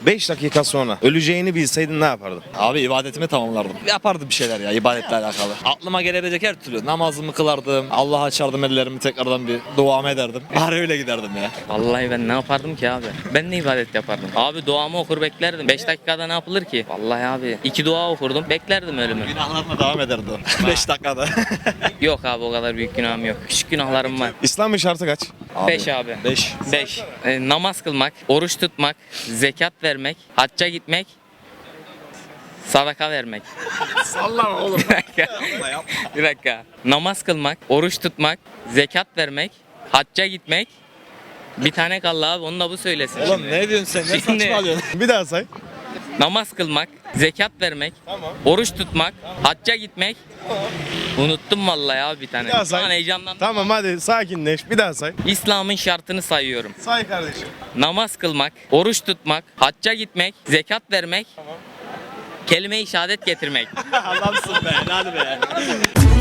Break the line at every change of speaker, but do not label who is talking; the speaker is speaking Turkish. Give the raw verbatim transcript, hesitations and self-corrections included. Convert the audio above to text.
beş dakika sonra öleceğini bilseydin ne yapardın?
Abi ibadetimi tamamlardım. Yapardım bir şeyler ya ibadetle alakalı. Aklıma gelebilecek her türlü namazımı kılardım. Allah'a açardım ellerimi tekrardan bir duamı ederdim. Bari öyle giderdim ya.
Vallahi ben ne yapardım ki abi? Ben ne ibadet yapardım? Abi duamı okur beklerdim. beş dakikada ne yapılır ki? Vallahi abi iki dua okurdum beklerdim ölümü.
Günahlarına devam ederdi o. beş dakikada.
Yok abi o kadar büyük günahım yok. Küçük günahlarım var.
İslam'ın şartı kaç?
beş abi.
beş.
beş. namaz kılmak, oruç tutmak, zekat vermek, hacca gitmek, sadaka vermek.
Sallama oğlum.
Bir dakika. Bir dakika. Namaz kılmak, oruç tutmak, zekat vermek, hacca gitmek. Bir tane kaldı abi onu da bu söylesin.
Oğlum ne diyorsun sen? Ne
Şimdi-
saçmalıyorsun?
Bir daha say.
Namaz kılmak, zekat vermek,
Tamam.
oruç tutmak, hacca gitmek. Unuttum vallahi abi bir tane.
Bir daha
Şu an
say.
heyecanlandım.
Tamam hadi sakinleş. Bir daha say.
İslam'ın şartını sayıyorum.
Say kardeşim.
Namaz kılmak, oruç tutmak, hacca gitmek, zekat vermek, kelime-i şehadet getirmek.
Adamsın be. Hadi be.